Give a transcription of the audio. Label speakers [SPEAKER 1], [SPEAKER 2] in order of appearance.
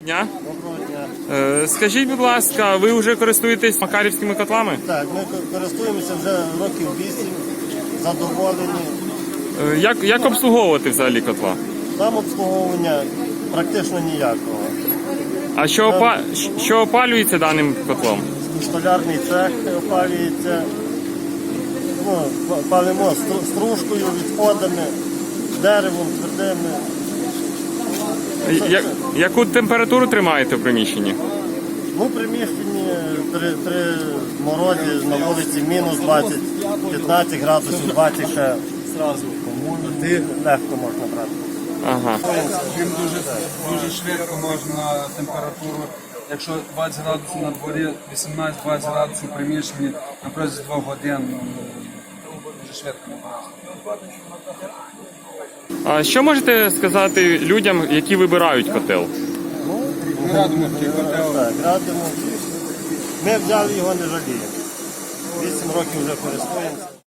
[SPEAKER 1] Дня.
[SPEAKER 2] Доброго дня.
[SPEAKER 1] Скажіть, будь ласка, ви вже користуєтесь макарівськими котлами?
[SPEAKER 2] Так, ми користуємося вже років 8, задоволені.
[SPEAKER 1] Як обслуговувати взагалі котла?
[SPEAKER 2] Там обслуговування практично ніякого.
[SPEAKER 1] А що опалюється даним котлом?
[SPEAKER 2] Столярний цех опалюється. Ну, палимо стружкою, відходами, деревом, твердими.
[SPEAKER 1] Яку температуру тримаєте в приміщенні?
[SPEAKER 2] Ну, в приміщенні при морозі на вулиці мінус 20, 15 градусів, 20 ще зразу. Легко можна брати.
[SPEAKER 1] Ага.
[SPEAKER 3] Їм дуже швидко можна температуру, якщо 20 градусів на дворі, 18-20 градусів в приміщенні на протязі 2 годин, дуже швидко набирається.
[SPEAKER 1] А що можете сказати людям, які вибирають котел?
[SPEAKER 3] Ми радимо такий котел.
[SPEAKER 2] Так, радимо. Ми взяли його, не жаліємо. 8 років вже користуємося.